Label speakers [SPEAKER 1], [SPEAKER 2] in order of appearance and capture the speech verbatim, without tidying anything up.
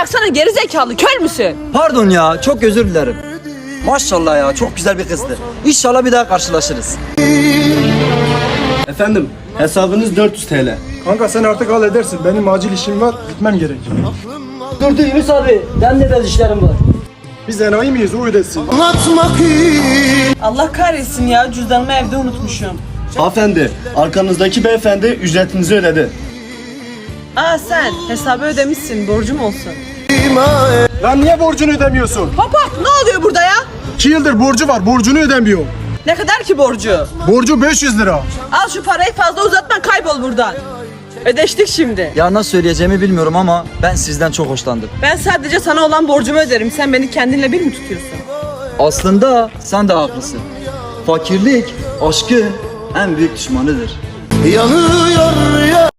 [SPEAKER 1] bıraksana gerizekalı, kör müsün?
[SPEAKER 2] Pardon ya, çok özür dilerim. Maşallah ya, çok güzel bir kızdı. İnşallah bir daha karşılaşırız.
[SPEAKER 3] Efendim, hesabınız dört yüz T L.
[SPEAKER 4] Kanka sen artık halledersin. Benim acil işim var. Gitmem gerek.
[SPEAKER 5] Dur dur Yunus abi. Ben de biraz işlerim var.
[SPEAKER 4] Biz enayi miyiz? O ödesin.
[SPEAKER 1] Allah kahretsin ya, cüzdanımı evde unutmuşum.
[SPEAKER 3] Hanımefendi, arkanızdaki beyefendi ücretinizi ödedi.
[SPEAKER 1] Aa sen hesabı ödemişsin, borcum olsun.
[SPEAKER 4] Lan niye borcunu ödemiyorsun?
[SPEAKER 1] Hop hop, ne oluyor burada ya?
[SPEAKER 4] İki yıldır borcu var. Borcunu ödemiyor.
[SPEAKER 1] Ne kadar ki borcu?
[SPEAKER 4] Borcu beş yüz lira.
[SPEAKER 1] Al şu parayı, fazla uzatma, kaybol buradan. Ödeştik şimdi.
[SPEAKER 2] Ya nasıl söyleyeceğimi bilmiyorum ama ben sizden çok hoşlandım.
[SPEAKER 1] Ben sadece sana olan borcumu öderim. Sen beni kendinle bir mi tutuyorsun?
[SPEAKER 2] Aslında sen de haklısın. Fakirlik, aşkın en büyük düşmanıdır.
[SPEAKER 6] Yanıyor ya